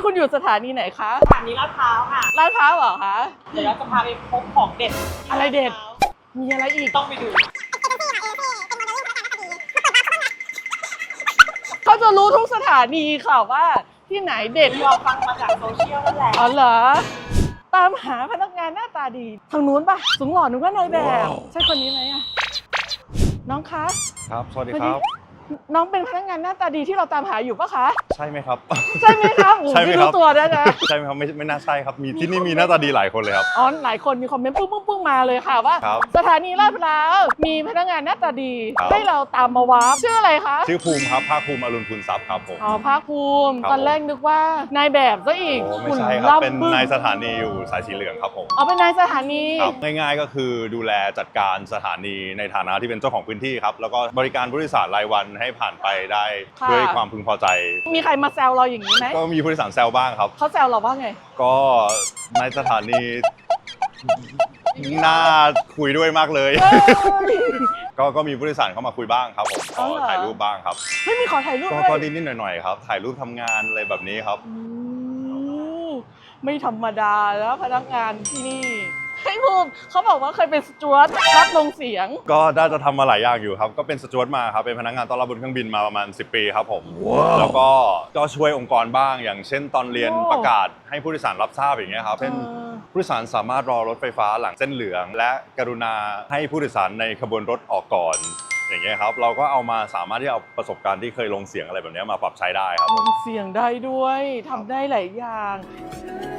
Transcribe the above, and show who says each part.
Speaker 1: คุณอยู่สถานีไหนคะ
Speaker 2: สถานีลาดพร้าวค่ะ
Speaker 1: ลาดพร้าวเหรอคะ
Speaker 2: เดี๋ยวเราจะพาไปพบของเด็ด
Speaker 1: อะไรเด็ด มีอะไรอีก
Speaker 2: ต้องไปดู
Speaker 1: เขาจะรู้ทุกสถานีค่ะว่าที่ไหนเด็ด
Speaker 2: เราฟังมาจากโซเชียลนั่นแหละ
Speaker 1: อ๋อเหรอ ตามหาพนักงานหน้าตาดี ทางนู้นปะสูงหล่อนึกว่านายแบบ ใช่คนนี้ไหมอะน้องคะ
Speaker 3: ครับ สวัสดีครับ
Speaker 1: น้องเป็นพนักงานหน้าตาดีที่เราตามหาอยู่ปะคะ
Speaker 3: ใช่ไหมครับ
Speaker 1: ใช่ไหมครับ
Speaker 3: ใช่ไหม
Speaker 1: ไม่
Speaker 3: ครั
Speaker 1: รู้
Speaker 3: บ
Speaker 1: ตัวด้วยนะ
Speaker 3: ใช่ไหมครับไม่น่าใช่ครับ มีที่นี่มีหน้าตาดีหลายคนเลยครับ
Speaker 1: อ๋อหลายคนมีคอมเมนต์ปึ้งมาเลยค่ะว่า
Speaker 3: ครับ
Speaker 1: สถานีลาดพร้าวมีพนักงานหน้าตาดี
Speaker 3: ครับ
Speaker 1: ให้เราตามมาวาร์ปชื่ออะไรคะ
Speaker 3: ชื่อภูมิครับภาคภูมิอรุณคุณทรัพย์ครับผม
Speaker 1: อ๋อภาคภูมิ
Speaker 3: ครับ
Speaker 1: ตอนแรกนึกว่านายแบบซะอีก
Speaker 3: โอ้ไม่
Speaker 1: หุ่น
Speaker 3: ใช่ครับ
Speaker 1: ล่ำ
Speaker 3: เป็น
Speaker 1: บึ้ง
Speaker 3: นายสถานีอยู่สายสีเหลืองครับผม
Speaker 1: อ๋อเป็นนายสถานี
Speaker 3: ครับง่ายๆก็คือดูแลจัดการสถานีในฐานะที่เป็นเจ้าของพื้นที่ครับแล้วก็บริการผู้โดยสารรายวันให้ผ่านไปได้
Speaker 1: ค่ะ
Speaker 3: ด้วยความพึงพอใจ
Speaker 1: มีใครมาแซวเราอย่างนี้ไหม
Speaker 3: ก็มีผู้โดยสารแซวบ้างครับ
Speaker 1: เขาแซวเราว่าไง
Speaker 3: ก็ในสถานีน่าคุยด้วยมากเลย ก็มีผู้โดยสารเข้ามาคุยบ้างครับผมข
Speaker 1: อ๋อ
Speaker 3: อ
Speaker 1: เหรอ
Speaker 3: ถ่ายรูปบ้างครับ
Speaker 1: ไม่มีขอถ่ายรูป
Speaker 3: ก็
Speaker 1: ด้วย
Speaker 3: ก็นิดๆหน่อยๆครับถ่ายรูปทำงานอะไรแบบนี้ครับ
Speaker 1: โอ้ไม่ธรรมดาแล้วพนักงานที่นี่ให้ภูมิเขาบอกว่าเคยเป็นสจ๊วตรับลงเสียง
Speaker 3: ก็น่าจะทำมาหลายอย่างอยู่ครับก็เป็นสจ๊วตมาครับเป็นพนักงานต้อนรับบนเครื่องบินมาประมาณ10 ปีครับผมแล้วก็ช่วยองค์กรบ้างอย่างเช่นตอนเรียน
Speaker 1: โอ้
Speaker 3: ประกาศให้ผู้โดยสารรับทราบอย่างเงี้ยครับเช่น ผู้โดยสารสามารถรอรถไฟฟ้าหลังเส้นเหลือง และกรุณาให้ผู้โดยสารในขบวนรถออกก่อนอย่างเงี้ยครับเราก็เอามาสามารถที่เอาประสบการณ์ที่เคยลงเสียงอะไรแบบเนี้ยมาปรับใช้ได้ครับ
Speaker 1: ลงเสียงได้ด้วยทำได้หลายอย่าง